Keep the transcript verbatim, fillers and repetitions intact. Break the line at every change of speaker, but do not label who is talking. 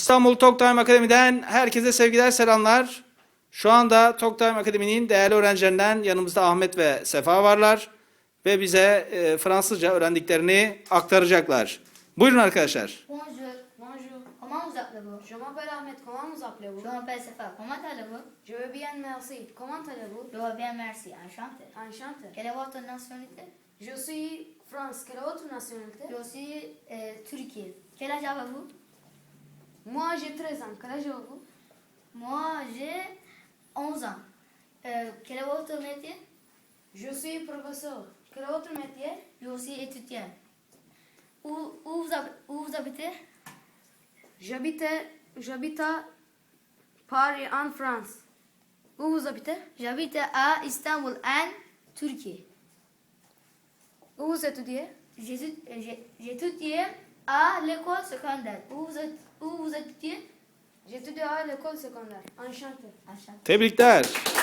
İstanbul Talk Time Akademi'den herkese sevgiler, selamlar. Şu anda Talk Time Akademi'nin değerli öğrencilerinden yanımızda Ahmet ve Sefa varlar. Ve bize e, Fransızca öğrendiklerini aktaracaklar. Buyurun arkadaşlar.
Bonjour.
Bonjour,
Comment vous appelez-vous?
je m'appelle Ahmed, comment vous appelez-vous?
Je m'appelle Sefa. Comment allez-vous?
Je vais bien, merci. Comment allez-vous?
Je vais bien, merci. Enchanté.
Enchanté.
Quelle est votre nationalité?
Je suis France, quelle est votre nationalité?
Je suis euh, Turquie. Quel âge avez-vous?
Moi j'ai treize ans, quel âge avez-vous?
Moi, j'ai onze ans. Euh, quel est votre métier?
Je suis professeur, quel est votre métier?
Je suis étudiant. Où, où, vous, hab- où vous habitez?
J'habite, j'habite à Paris en France. Où vous habitez?
J'habite à Istanbul, en Turquie.
Où vous étudiez?
J'étudie j'ai- j'étudie à l'école secondaire. Où vous, êtes- où vous étudiez?
J'étudie à l'école secondaire. Enchanté.
Enchanté.
Tebrikler.